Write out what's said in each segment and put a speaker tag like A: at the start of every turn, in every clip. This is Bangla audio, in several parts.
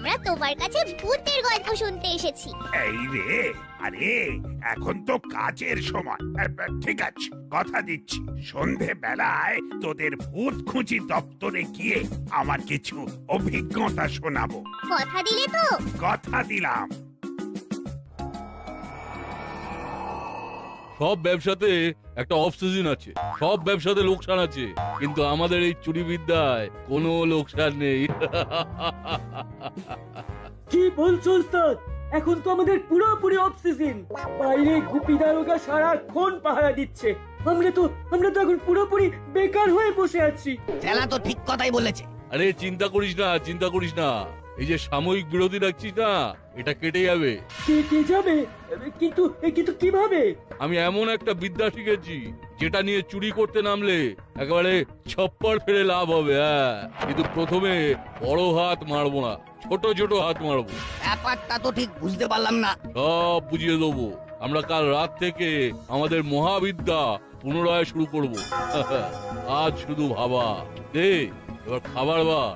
A: আমরা তোমার কাছে ভূতের গল্প শুনতে এসেছি।
B: এই রে, আরে এখন তো কাজের সময়। ঠিক আছে, কথা দিচ্ছি সন্ধে বেলায় তোদের ভূত খুঁজি দপ্তরে গিয়ে আমার কিছু অভিজ্ঞতা শোনাবো।
A: কথা দিলে তো?
B: কথা দিলাম।
C: সব ব্যবসাতে একটা অফ সিজন আছে, সব ব্যবসাতে লোকসান আছে, কিন্তু আমাদের এই চুরি বিদ্যায় কোনো লোকসান নেই।
D: কি বলছো ওস্তাদ? এখন তো আমাদের পুরোপুরি অফ সিজন। বাইরে গুপি দারোগা সারাক্ষণ পাহারা দিচ্ছে। আমরা তো এখন পুরোপুরি বেকার হয়ে বসে আছি।
E: চেলা তো ঠিক কথাই বলেছে।
C: আরে চিন্তা করিস না, চিন্তা করিস না, এই যে সাময়িক বিরতি রাখছিস না, এটা কেটে যাবে।
D: কেটে যাবে? কিন্তু কিভাবে?
C: আমি এমন একটা বিদ্যা শিখেছি যেটা নিয়ে চুরি করতে নামলে একেবারে ছপ্পর ফেলে লাভ হবে। হ্যাঁ, কিন্তু প্রথমে বড় হাত মারবো না, ছোট ছোট হাত মারবো।
E: ব্যাপারটা তো ঠিক বুঝতে পারলাম না।
C: সব বুঝিয়ে দেবো। আমরা কাল রাত থেকে আমাদের মহাবিদ্যা পুনরায় শুরু করব। আজ শুধু ভাবা দে, এবার খাবার বার।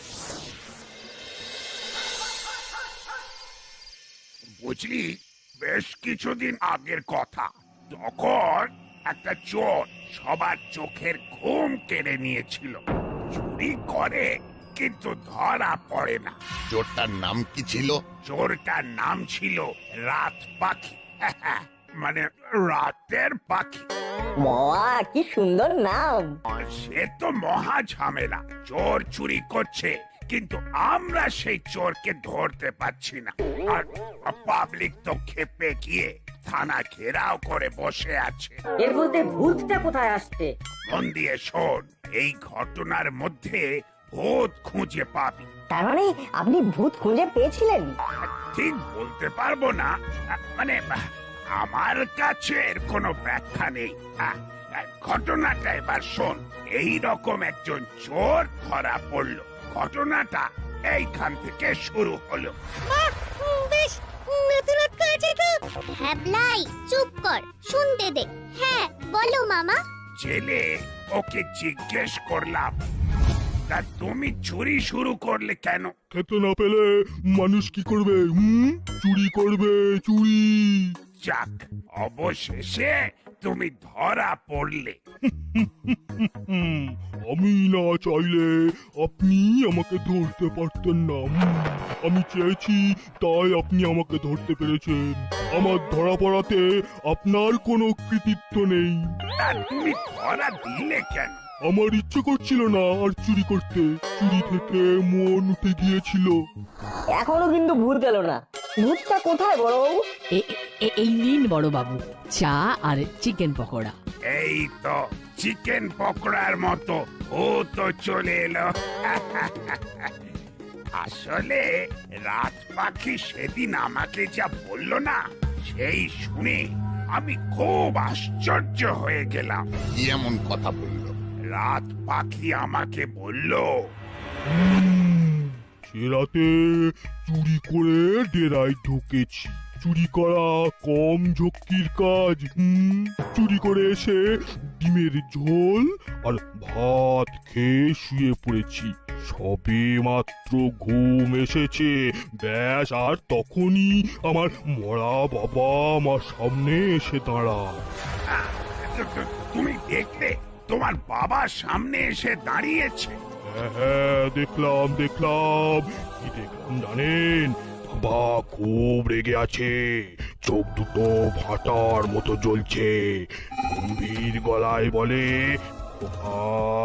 B: বুঝলি, বেশ কিছুদিন আগের কথা, তখন একটা চোর সবার চোখের ঘুম কেড়ে নিয়েছিল। চুরি করে কিন্তু ধরা পড়ে না।
F: চোরটার নাম কি ছিল?
B: চোরটার নাম ছিল রাত পাখি। মানে রাতের পাখি।
G: বাবা, কি সুন্দর নাম!
B: সে তো মহা ঝামেলা। চোর চুরি করছে কিন্তু আমরা সেই চোরকে ধরতে পারছি না। আর পাবলিক তো খেপে গিয়ে থানা ঘেরাও করে বসে আছে।
G: এর মধ্যে ভূতটা কোথায় আসছে?
B: মন দিয়ে শোন, এই ঘটনার মধ্যে ভূত খুঁজে পাবি।
G: তার মানে আপনি ভূত খুঁজে পেয়েছিলেন?
B: ঠিক বলতে পারবো না, মানে আমার কাছে এর কোনো ব্যাখ্যা নেই। ঘটনাটা এবার শোন। এই রকম একজন চোর ধরা পড়লো। ঘটনাটা এইখান থেকে শুরু হলো।
A: বেশ নতুনত্ব আছে তো। হ্যাবলাই, চুপ কর, শুনতে দে। হ্যাঁ বলো মামা।
B: জেলে ওকে জিজ্ঞেস করলাম, তা তুমি চুরি শুরু করলে কেন?
H: খেতে না পেলে মানুষ কি করবে? চুরি করবে, চুরি।
B: যাক, অবশেষে তুমি ধরা পড়লে।
H: আমি না চাইলে আপনি আমাকে ধরতে পারতেন না। আমি চেয়েছি তাই আপনি আমাকে ধরতে পেরেছেন। আমার ধরা পড়াতে আপনার কোনো কৃতিত্ব নেই।
B: তা তুমি ধরা দিলে কেন?
H: আমার ইচ্ছে করছিল না আর চুরি করতে। চুরি থেকে মন উঠে গিয়েছিল।
G: এখনো কিন্তু ভূত গেল না। ভূতটা কোথায় বড়বাবু?
I: এই নিন বড় বাবু, চা আর চিকেন পকোড়া।
B: এই তো চিকেন পকোড়ার মতো ও তো চলে এলো। আসলে রাত পাখি সেদিন আমাকে যা বললো না, সেই শুনে আমি খুব আশ্চর্য হয়ে গেলাম।
F: কি এমন কথা বললো?
B: রাত পাখি আমাকে বলল,
H: সে রাতে চুরি করে ডেরায় ঢুকেছি। চুরি করা কম ঝক্কির কাজ। চুরি করে এসে ডিমের ঝোল আর ভাত খেয়ে শুয়ে পড়েছি। সবে মাত্র ঘুম এসেছে, ব্যাস, আর তখনই আমার মরা বাবা আমার সামনে এসে দাঁড়ায়।
B: তুমি দেখলে তোমার বাবা সামনে এসে দাঁড়িয়েছে?
H: হ্যাঁ, দেখলাম। কি দেখলাম জানেন? বাবা খুব রেগে আছে, চোখ দুটো ফাটার মতো জ্বলছে। গম্ভীর গলায় বলে, খোকা,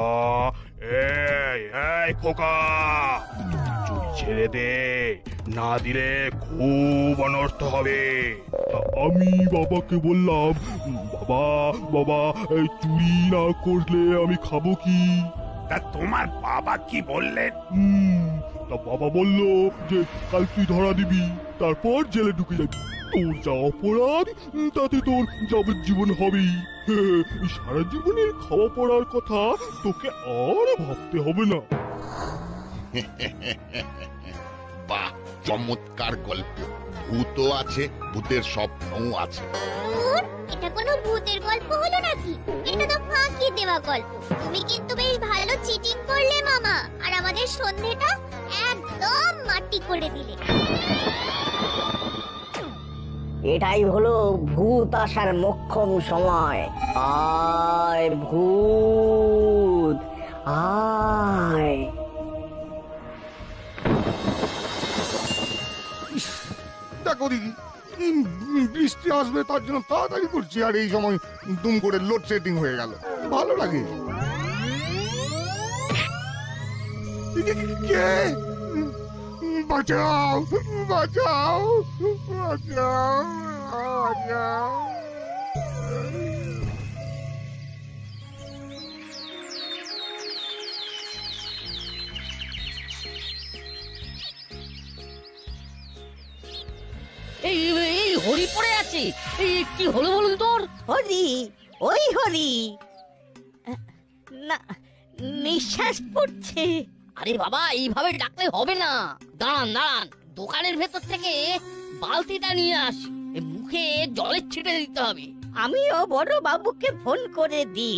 H: এই খোকা, চুরি ছেড়ে দে, না দিলে খুব অনর্থ হবে। আমি বাবাকে বললাম, বাবা এই চুরি না করলে আমি খাবো কি?
B: তা তোমার বাবা কি বললেন?
H: তা বাবা বলল যে কাল তুই ধরা দিবি, তারপর জেলে ঢুকে যাবি। তোর যা অপরাধ তাতে তোর যাবজ্জীবন হবেই। সারা জীবনের খাওয়া পড়ার কথা তোকে আর ভাবতে হবে না।
F: বাহ, চমৎকার গল্প। ভূতও আছে, ভূতের স্বপ্নও আছে।
A: এটা কোনো ভূতের গল্প হলো নাকি? এটা তো ফাঁকি দেওয়া গল্প। তুমি কিন্তু বেশ ভালো চিটিং করলে মামা, আর আমাদের সন্ধেটা একদম মাটি করে দিলে।
G: এটাই হলো ভূত আসার মোক্ষম সময়। আয় ভূত আয়।
F: দেখো দিদি, বৃষ্টি আসবে তার জন্য তাড়াতাড়ি করছি, আর এই সময় দুম করে লোডশেডিং হয়ে গেল। ভালো লাগে। কে? বাঁচাও, বাঁচাও, বাঁচাও, বাঁচাও।
I: এই এই হরি পড়ে আছে, এই কি হলো বলুন তোর?
G: হরি, ওই হরি না, নিঃশ্বাস পড়ছে।
I: আরে বাবা, এইভাবে ডাকলে হবে না। দাঁড়ান দাঁড়ান, দোকানের ভেতর থেকে বালতিটা নিয়ে আসি, মুখে জলের ছিটে দিতে হবে।
G: আমিও বড় বাবুকে ফোন করে দিই।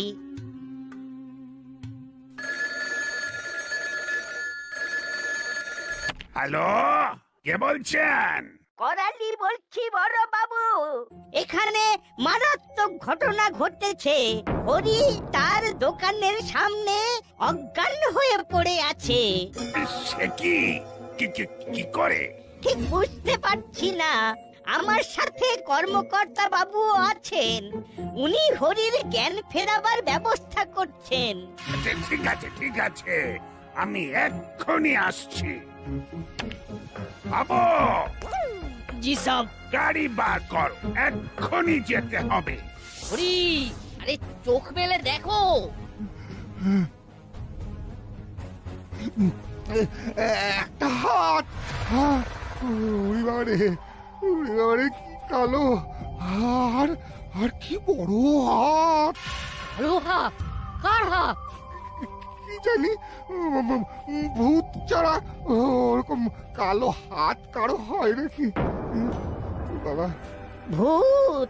B: হ্যালো, কে বলছেন?
G: করালি বলছি বড় বাবু। এখানে মারাত্মক ঘটনা ঘটেছে। হরি তার দোকানের সামনে অজ্ঞান হয়ে পড়ে আছে।
B: সে কি? কি করে?
G: ঠিক বুঝতে পারছি না। আমার সাথে কর্মকর্তা বাবু আছেন, উনি হরির জ্ঞান ফেরাবার ব্যবস্থা করছেন।
B: আচ্ছা, ঠিক আছে ঠিক আছে, আমি এক্ষুনি আসছি। বাবু,
I: জি সব।
B: গাড়ি বার কর, এক্ষুনি যেতে হবে।
I: হরি, আরে চোখ মেলে দেখো।
F: একটা হাত। ওরে বাবারে, ওরে বাবারে, কি কালো। আর আর কি বড় হাত।
I: আরে হাত, কার হাত?
F: কি জানি, ভূত ছাড়া ওরকম কালো হাত কারো হয় নাকি? বাবা,
G: ভূত।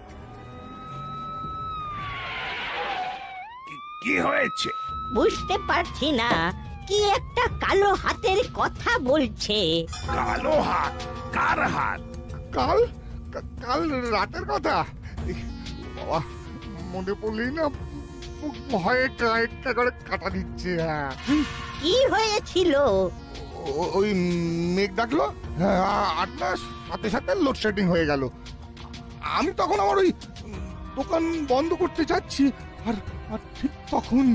B: কি হয়েছে?
G: বুঝতে পারছি না, কি একটা কালো হাতের কথা বলছে।
B: কালো হাত? কার হাত?
F: কাল কাল রাতের কথা। বাবা, মনে পড়লেই না ভয়ে একটা করে কাটা দিচ্ছে। হ্যাঁ,
G: কি হয়েছিল?
F: ওই মেঘ ডাকলো, হ্যাঁ, আর না সাথে সাথে লোডশেডিং হয়ে গেল। আমি তখন আমার ওই দোকান বন্ধ করতে যাচ্ছি, আর আর ঠিক তখন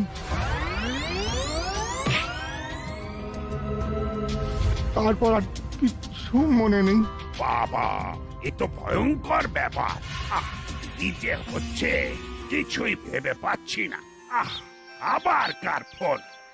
F: তারপর আর কিচ্ছু মনে নেই।
B: বাবা, এ তো ভয়ঙ্কর ব্যাপার। কি যে হচ্ছে কিছুই ভেবে পাচ্ছি না। আবার কার ফোন?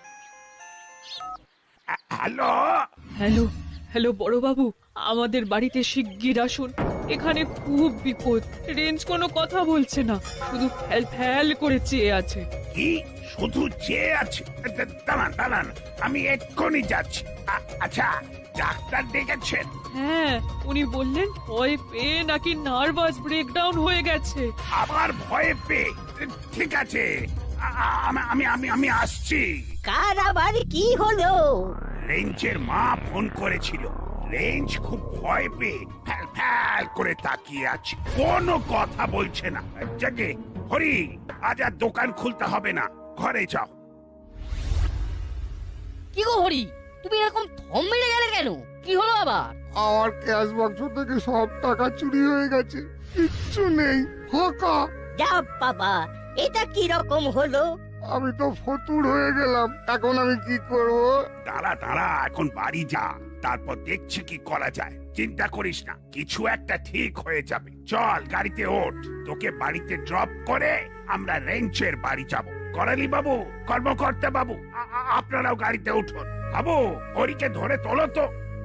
B: হ্যালো,
J: হ্যালো হ্যালো বড় বাবু, আমাদের বাড়িতে শিগগির আসুন। এখানে খুব বিপদ। রেঞ্জ কোনো কথা বলছে না, শুধু ফ্যাল ফ্যাল করে চেয়ে আছে।
B: কি শুধু চেয়ে আছে? দাঁড়ান দাঁড়ান, আমি এক্ষুনি যাচ্ছি। আচ্ছা, ডাক্তার ডেকেছেন?
J: হ্যাঁ, উনি বললেন ভয় পেয়ে নাকি নার্ভাস ব্রেকডাউন হয়ে গেছে।
B: আবার ভয়ে পেয়ে? ঠিক আছে, আমি আমি আমি আসছি।
G: কার আবার কি হলো?
B: রেঞ্জের মা ফোন করেছিল। রেঞ্জ খুব ভয় পেয়ে ফ্যাল ফ্যাল করে তাকিয়ে আছে, কোনো কথা বলছে না। যাকে হরি, আজ আর দোকান খুলতে হবে না, ঘরে যাও।
I: কি গো হরি, তুমি এরকম থম মেরে গেলে কেন? কি হলো আবার?
F: আমার ক্যাশ বাক্স থেকে সব টাকা চুরি হয়ে গেছে, কিচ্ছু নেই, ফাঁকা।
G: যা বাবা, এটা কি রকম হলো?
F: আমি তো ফতুর হয়ে গেলাম, এখন আমি কি করব?
B: দাঁড়া দাঁড়া, এখন বাড়ি যা, তারপর দেখছি কি করা যায়। চিন্তা করিস না, কিছু একটা ঠিক হয়ে যাবে। চল গাড়িতে ওঠ, তোকে বাড়িতে ড্রপ করে আমরা রেঞ্চের বাড়ি যাব। করালি বাবু, কর্মকর্তা বাবু, আপনারাও গাড়িতে উঠুন। বাবু, হরিকে ধরে তোলো তো।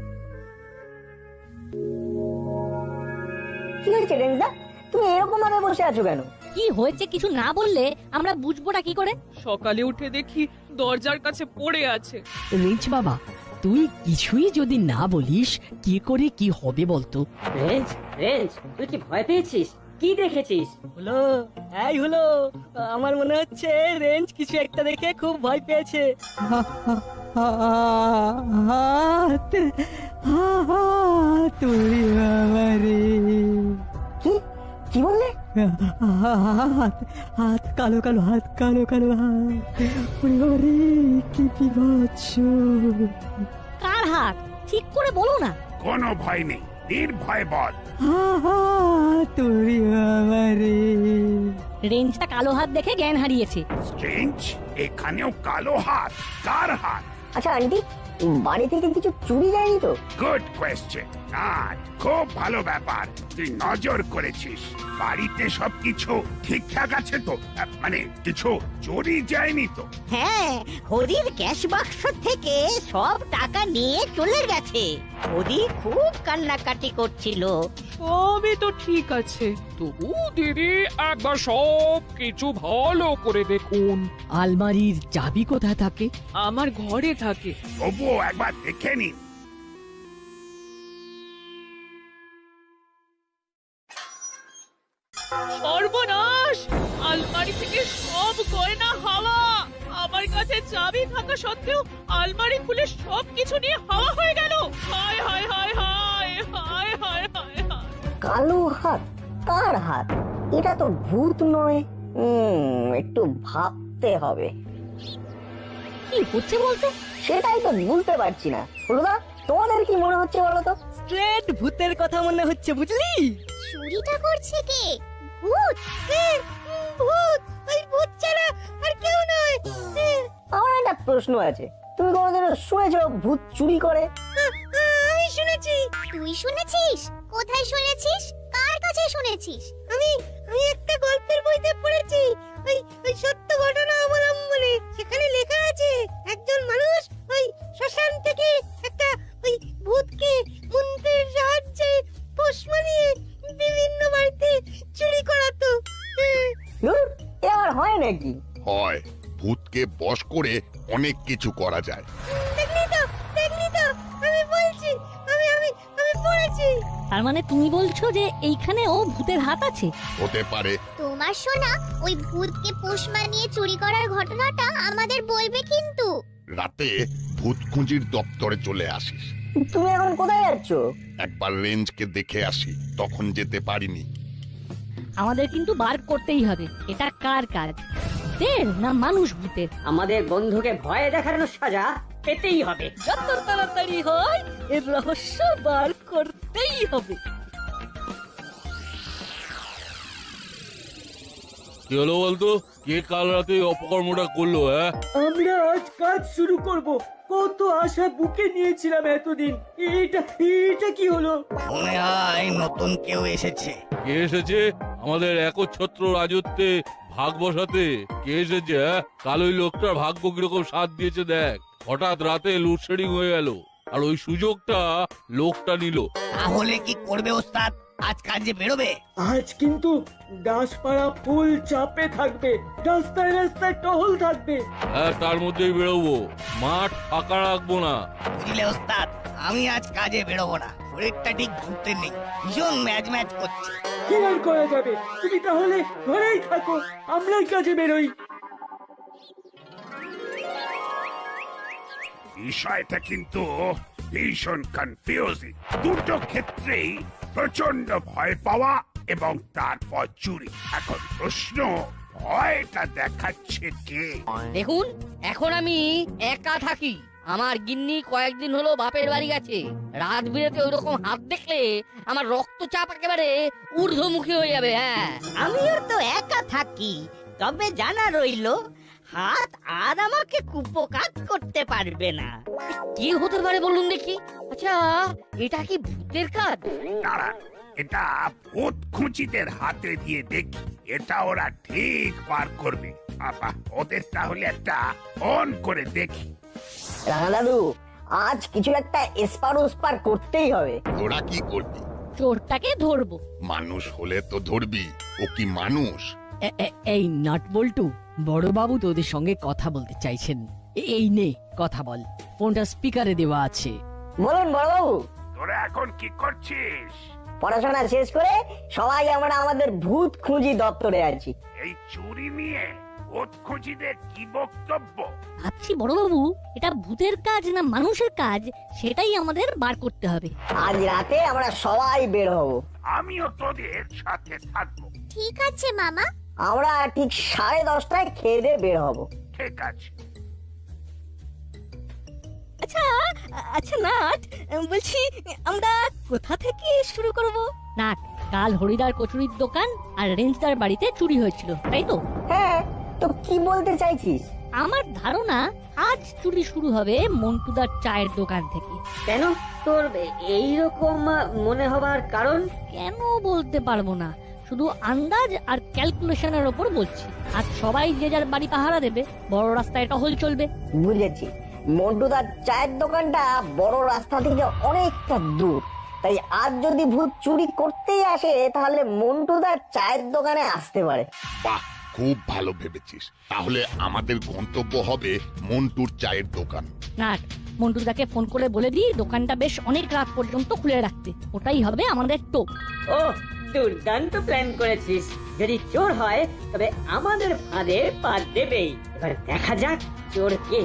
G: কি হয়েছে রেঞ্জদা, তুমি এরকম ভাবে বসে আছো কেন?
I: কি হয়েছে কিছু না বললে আমরা বুঝবোটা কি করে?
J: সকালে উঠে দেখি দরজার কাছে পড়ে আছে।
I: রিঞ্চ বাবা, তুই কিছুই যদি না বলিস কি করে কি হবে বলতো?
G: রেঞ্জ, রেঞ্জ, তুই কি ভয় পেয়েছিস?
D: কি দেখেছিস?
G: হলো, এই হলো, আমার মনে হচ্ছে রেঞ্জ কিছু একটা দেখে খুব ভয় পেয়েছে। হাত, তুই বাবারে। কি কি বললে? হাত, হাত কালো কালো, হাত কালো কালো, হাত। ওরে বাবারে, কি বিভৎস!
I: কার হাত ঠিক করে বলো না।
B: কোনো ভয় নেই, নির্ভয় বল।
G: তুই বাবারে।
I: রেঞ্জটা কালো হাত দেখে জ্ঞান হারিয়েছে।
B: স্ট্রেঞ্জ, এখানেও কালো হাত? কার হাত?
G: আচ্ছা আন্টি, বাড়ি থেকে কিছু চুরি যায়নি তো?
B: Good question. খুব ভালো ব্যাপার, তুই নজর করেছিস। বাড়িতে সবকিছু ঠিকঠাক আছে তো? মানে কিছু চুরি যায়নি তো?
G: হ্যাঁ, হরির ক্যাশ বাক্স থেকে সব টাকা নিয়ে চলে গেছে। হরি খুব কান্নাকাটি করছিল।
J: সবই তো ঠিক আছে, তবু দিদি একবার সব কিছু ভালো করে দেখুন।
G: আলমারির চাবি কোথায় থাকে?
J: আমার ঘরে থাকে।
B: তবুও একবার দেখে নিন।
J: সর্বনাশ! আলমারি থেকে সব গয়না হাওয়া। আমার কাছে চাবি থাকা সত্ত্বেও আলমারি খুলে সবকিছু নিয়ে হাওয়া হয়ে গেল। হায় হায় হায় হায় হায় হায় হায় হায়।
G: কালো হাত? কার হাত? এটা তো ভূত নয়। একটু ভাবতে হবে।
I: কি হচ্ছে বলতো?
G: সেটাই তো বুঝতে পারছি না। হলুদা, তোমাদের কি মনে হচ্ছে বলো তো? স্ট্রেট ভূতের কথা মনে হচ্ছে, বুঝলি?
A: চুরিটা করছে কে? ভূত? ভূত, ওই ভূত ছাড়া আর কেউ নয়।
G: আমার একটা প্রশ্ন আছে, তুমি কোনোদিনও শুনেছো ভূত চুরি করে?
A: আমি শুনেছি। তুই শুনেছিস? কোথায় শুনেছিস? কার কাছে শুনেছিস? আমি একটা গল্পের বইতে পড়েছি। ওই সত্য ঘটনা অবলম্বনে। সেখানে লেখা আছে একজন মানুষ ওই শ্মশান থেকে একটা ওই ভূতকে মন্ত্রের সাহায্যে পোষ মানিয়ে বিভিন্ন বাড়িতে চুরি করাতো।
G: ধুর, এ আবার হয় নাকি?
F: হয়, ভূতকে বশ করে অনেক কিছু করা যায়।
A: দেখলি তো, আমি বলছি, আমি পড়েছি।
I: তার মানে তুমি বলছো যে এইখানেও ভূতের হাত আছে?
F: হতে পারে।
A: তোমার শোনা ওই ভূতকে পোষ মানিয়ে চুরি করার ঘটনাটা আমাদের বলবে কিন্তু।
F: রাতে ভূত খুঁজির দপ্তরে চলে আসিস।
G: তুমি এখন কোথায় যাচ্ছ?
F: একবার রেঞ্জকে দেখে আসি, তখন যেতে পারিনি।
I: আমাদের কিন্তু বার করতেই হবে এটা কার কাজ, ভূতের না মানুষ ভূতের।
D: আমাদের বন্ধুকে ভয় দেখানোর সাজা পেতেই হবে।
G: যত তাড়াতাড়ি হয় এর রহস্য বার করতেই হবে।
C: কি হলো বলতো? কে কাল রাতে অপকর্মটা করলো?
D: আমরা আজ কাজ শুরু করব। কত আশা বুকে নিয়েছিলাম এতদিন। এটা কি হলো?
E: মনে হয় নতুন কেউ এসেছে।
C: কে এসেছে? আমাদের একচ্ছত্র রাজত্বে ভাগ বসাতে কে এসেছে? কাল ওই লোকটার ভাগ্য কিরকম সাথ দিয়েছে দেখ। হঠাৎ রাতে লোডশেডিং হয়ে গেল, আর ওই সুযোগটা লোকটা নিল।
E: তাহলে কি করবে ওস্তাদ? আজ কাজে বেরোবে?
D: আজ কিন্তু দাসপাড়া ফুল চাপে থাকবে। রাস্তায় রাস্তায় টহল থাকবে।
C: তার মধ্যেই বেরোবো, মাঠ ফাঁকা রাখবো না।
E: বুঝলে ওস্তাদ, আমি আজ কাজে বেরোবো না। শরীরটা ঠিক ঘুরতে নেই, ভীষণ ম্যাচ করছে।
D: কি আর করা যাবে? তুমি তাহলে ঘরেই থাকো, আমরাই কাজে বেরোই।
B: বিষয়টা কিন্তু ভীষণ কনফিউজিং। দুটো ক্ষেত্রেই প্রচন্ড ভয় পাওয়া এবং তারপর চুরি। এখন প্রশ্ন, ভয়টা দেখাচ্ছে কে?
I: দেখুন, এখন আমি একা থাকি। আমার গিন্নি কয়েকদিন হলো বাপের বাড়ি গেছে। রাত বিরেতে ওইরকম হাত দেখলে আমার রক্তচাপ একেবারে ঊর্ধ্বমুখী হয়ে যাবে। হ্যাঁ,
G: আমিও তো একা থাকি, তবে জানা রইলো হাত আর আমাকে কুপকাত করতে পারবে না।
I: কি হতে পারে বলুন দেখি? আচ্ছা, এটা কি ভূতের কাজ?
B: দাঁড়া, এটা ভূত খুঁজিদের হাতে দিয়ে দেখি, এটা ওরা ঠিক পার করবে। বাবা, ওদের তাহলে একটা অন করে দেখি।
G: রাঙা দাদু, আজ কিছু একটা এসপার ওসপার করতেই হবে।
F: তোরা কি করবি?
I: চোরটাকে ধরবো।
F: মানুষ হলে তো ধরবি। ও কি মানুষ?
K: এই নাট বল্টু, বড়বাবু তোদের সঙ্গে কথা বলতে চাইছেন। এই নে, কথা বল। ফোনটা স্পিকারে দেওয়া আছে।
G: বলুন বড়বাবু।
B: তোরা এখন কি করছিস?
L: পড়াশোনা শেষ করে সবাই আমরা আমাদের ভূত খুঁজি দপ্তরে আছি।
B: এই চুরি নিয়ে ভূত খুঁজিদের কি বক্তব্য?
I: ভাবছি বড়বাবু, এটা ভূতের কাজ না মানুষের কাজ সেটাই আমাদের বার করতে হবে।
L: আজ রাতে আমরা সবাই বের হব।
B: আমিও তোদের সাথে থাকবো।
A: ঠিক আছে মামা।
L: আমরা ঠিক 10:30টায় খেয়ে দিয়ে বের হব।
B: ঠিক আছে।
I: আচ্ছা আচ্ছা নাট, বলছি আমরা কোথা থেকে শুরু করব? নাট, কাল হরিদার কচুরির দোকান আর রেঞ্জদার বাড়িতে চুরি হয়েছিল, তাই তো?
L: হ্যাঁ, তো কি বলতে চাইছিস?
I: আমার ধারণা আজ চুরি শুরু হবে মন্টুদার চায়ের দোকান থেকে।
K: কেন তোর এইরকম মনে হবার কারণ?
I: কেন বলতে পারবো না, শুধু আন্দাজ আর ক্যালকুলেশনের ওপর বলছি। আজ সবাই যে যার বাড়ি পাহারা দেবে, বড় রাস্তায় টহল চলবে।
L: বুঝেছি, মন্টুদার চায়ের দোকানটা বড় রাস্তা থেকে অনেকটা দূর, তাই আজ যদি ভূত চুরি করতেই আসে তাহলে মন্টুদার চায়ের দোকানে আসতে পারে।
F: বাহ, খুব ভালো ভেবেছিস। তাহলে আমাদের গন্তব্য হবে মন্টুর চায়ের দোকান।
I: নাট, মন্টুদাকে ফোন করে বলে দিই দোকানটা বেশ অনেক রাত পর্যন্ত খুলে রাখতে। ওটাই হবে আমাদের টোপ।
D: ও, দুর্দান্ত প্ল্যান করেছিস। যদি চোর হয় তবে আমাদের ফাঁদে পা দেবেই। এবার দেখা যাক চোর কে।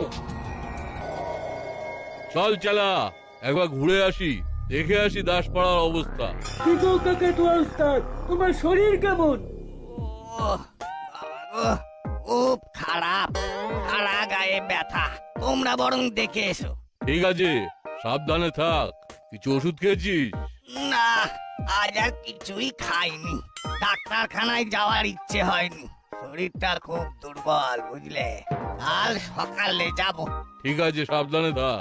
C: চল চালা, একবার ঘুরে আসি, দেখে আসি দাসপাড়ার অবস্থা।
D: কি গো কাকাতুয়া উস্তাদ, তোমার শরীর কেমন?
E: খুব খারাপ, সারা গায়ে ব্যথা। তোমরা বরং দেখে এসো।
C: ঠিক আছে, সাবধানে থাক। কিছু ওষুধ খেয়েছিস?
E: না, আজ আর কিছুই খাইনি। ডাক্তারখানায় যাওয়ার ইচ্ছে হয়নি। শরীরটা খুব দুর্বল, বুঝলে। কাল সকালে যাব।
C: ঠিক আছে, সাবধানে থাক।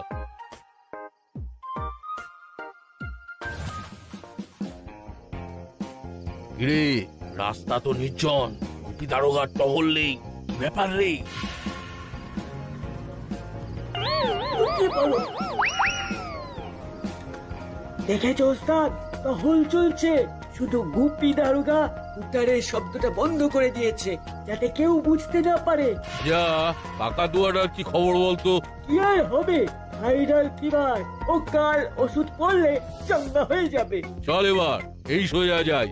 C: রে, রাস্তা তো নির্জন, গুপি দারোগার টহল নেই। কি ব্যাপার রে?
D: দেখেছো ওস্তাদ, টহল চলছে। শুধু গুপি দারোগা উত্তরের শব্দটা বন্ধ করে দিয়েছে, যাতে কেউ বুঝতে না পারে।
C: যা, কাকাতুয়াটার কি খবর বলতো?
D: কি আর হবে, ভাইরাল ফিভার। ও কাল ওষুধ পড়লে চাঙ্গা হয়ে যাবে।
C: চল এবার এই সোজা যাই।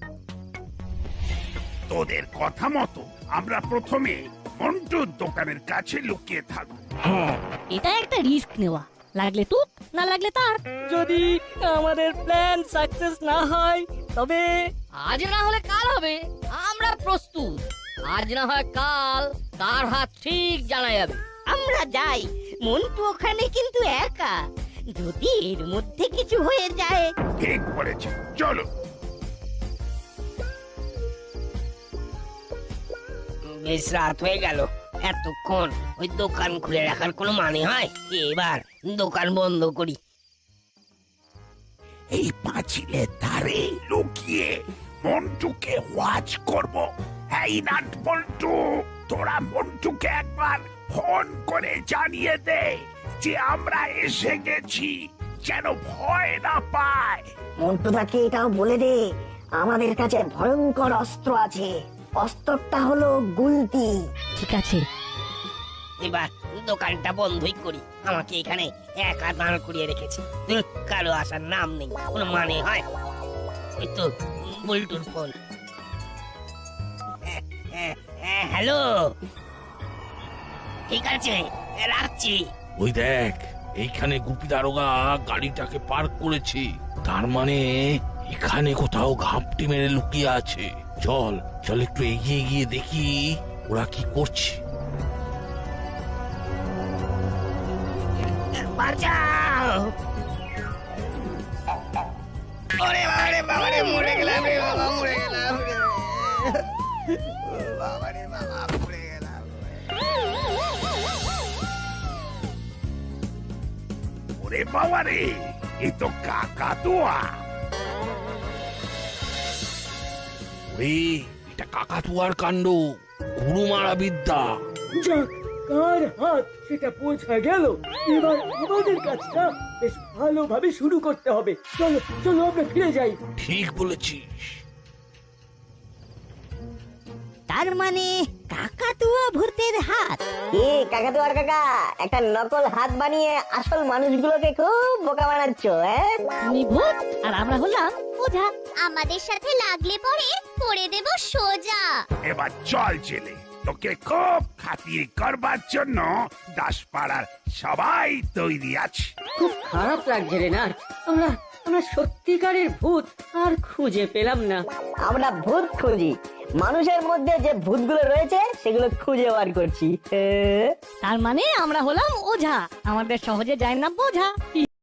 B: তোদের কথা মতো আমরা প্রথমে মন্টুর দোকানের কাছে লুকিয়ে থাকবো।
I: এটা একটা রিস্ক নেওয়া, লাগলে তুক না লাগলে তার।
K: যদি আমাদের প্ল্যান সাকসেস না হয় তবে?
I: আজ না হলে কাল হবে, আমরা প্রস্তুত। আজ না হয় কাল, কার হাত ঠিক জানা যাবে।
A: আমরা যাই, মন্টু ওখানে কিন্তু একা। যদি এর মধ্যে কিছু হয়ে যায়।
B: ঠিক বলেছে, চলো।
E: বেশ রাত হয়ে গেল। এতক্ষণ ওই দোকান খুলে রাখার কোনো মানে হয়? এবার দোকান বন্ধ করি।
B: এই পাঁচিলের ধারে লুকিয়ে মন্টুকে ওয়াচ করব। এই নাট বল্টু, তোরা মন্টুকে একবার ফোন করে জানিয়ে দে যে আমরা এসে গেছি, যেন ভয় না পায়।
L: মন্টুদাকে এটাও বলে দে আমাদের কাছে ভয়ঙ্কর অস্ত্র আছে। অস্ত্রটা হলো গুলতি।
I: ঠিক আছে,
E: এবার দোকানটা বন্ধই করি। আমাকে এখানে একা দাঁড় করিয়ে রেখেছে। কারো আসার নাম নেই, কোনো মানে হয়? ওই তো বল্টুর ফোন। হ্যালো, ঠিক আছে, রাখছি।
C: ওই দেখ, এইখানে গুপি দারোগা গাড়িটাকে পার্ক করেছে। তার মানে এখানে কোথাও ঘাপটি মেরে লুকিয়ে আছে। চল চল, একটু এগিয়ে গিয়ে দেখি ওরা কি করছে।
E: বাঁচাও! ওরে বাবারে বাবারে, মরে গেলাম রে বাবা, মরে গেলাম রে বাবারে বাবা, মরে গেলাম।
B: ওরে বাবা রে, এ তো কাকাতুয়া।
C: ওরে, এটা কাকাতুয়ার কাণ্ড, গুরু মারা বিদ্যা।
D: যাক, কার হাত সেটা বোঝা গেল। এবার আমাদের কাজটা বেশ ভালোভাবে শুরু করতে হবে। চলো চলো, আমরা ফিরে যাই।
C: ঠিক বলেছিস।
A: তার মানে কাকাতুয়া ভূতের হাত।
L: কি কাকাতুয়ার কাকা একটা নকল হাত বানিয়ে আসল মানুষগুলোকে খুব বোকা বানাচ্ছ,
A: তুমি ভূত আর আমরা হলাম ওঝা। আমাদের সাথে লাগলে পরে করে দেব সোজা।
B: এবার চল জেলে, তোকে খুব খাতির করবার জন্য দাসপাড়ার সবাই তৈরি আছে।
D: খুব খারাপ লাগছে রে নাট, আমরা আমরা সত্যিকারের ভূত আর খুঁজে পেলাম না।
L: আমরা ভূত খুঁজি, মানুষের মধ্যে যে ভূতগুলো রয়েছে সেগুলো খুঁজে বার করছি।
A: তার মানে আমরা হলাম ওঝা, আমাদের সহজে যায় না বোঝা।